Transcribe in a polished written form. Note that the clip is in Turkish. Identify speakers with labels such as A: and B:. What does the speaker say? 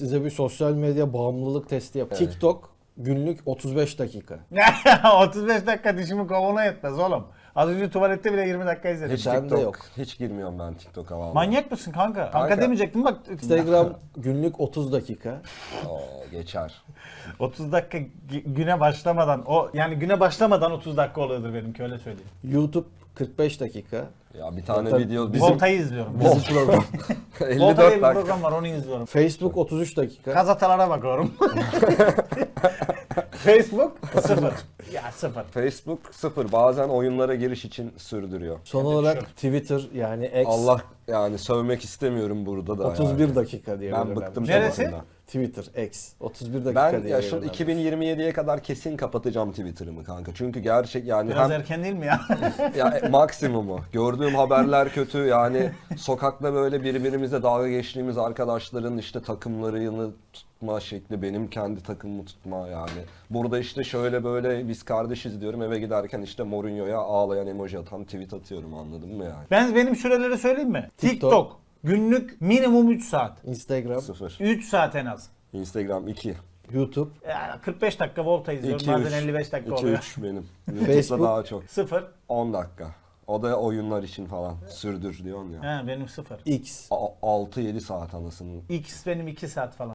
A: Size bir sosyal medya bağımlılık testi yap. TikTok günlük 35 dakika.
B: 35 dakika dişimi kovana yetmez oğlum. Az önce tuvalette bile 20 dakika izledim.
C: Hiç
A: Bende
C: TikTok,
A: yok.
C: Hiç girmiyorum ben TikTok'a vallahi.
B: Manyak mısın kanka? Kanka
C: Kanka.
B: demeyecektim bak.
A: Instagram günlük 30 dakika.
C: Geçer.
B: 30 dakika güne başlamadan yani güne başlamadan 30 dakika oluyordur benimki, öyle söyleyeyim.
A: YouTube 45 dakika.
C: Ya bir tane
A: Zaten
C: video
B: Volta'yı izliyorum.
A: Bizim program.
C: 54
B: Volta diye bir
C: dakika.
B: program var, onu izliyorum.
A: Facebook 33 dakika.
B: Gazetalara bakıyorum. Facebook 0. Ya 0.
C: Facebook 0. Bazen oyunlara giriş için sürdürüyor.
A: Son olarak Twitter yani X
C: Allah yani sövmek istemiyorum burada da.
A: 31
C: yani.
A: dakika diye
C: Ben
A: belirlenmiş.
C: bıktım
B: Neresi?
C: Twitter'dan.
A: Twitter X 31 dakika
C: Ben
A: diye
C: ya şu
A: belirlenmiş.
C: 2027'ye kadar kesin kapatacağım Twitter'ımı kanka. Çünkü gerçek yani
B: Biraz
C: hem
B: erken değil mi ya?
C: ya maksimumu. Gördüğüm haberler kötü. Yani sokakta böyle birbirimizle dalga geçtiğimiz arkadaşların işte takımlarını tutma şekli, benim kendi takımımı tutma yani. Burada işte şöyle böyle biz kardeşiz diyorum, eve giderken işte Mourinho'ya ağlayan emoji atan tweet atıyorum, anladın mı yani?
B: Benim süreleri söyleyeyim mi?
A: TikTok.
B: TikTok günlük minimum 3 saat.
A: Instagram,
C: 0.
B: 3 saat en az.
C: Instagram 2.
A: YouTube,
B: Ya 45 dakika Volta izliyorum.
C: 2
B: Bazen 55 dakika
C: 2
B: oluyor.
C: 3 benim. YouTube'da
A: Facebook.
C: daha çok.
B: 0.
C: 10 dakika. O da oyunlar için falan. Sürdür diyorsun ya.
B: He benim 0.
A: X.
C: 6-7 saat anasını.
B: X benim 2 saat falan.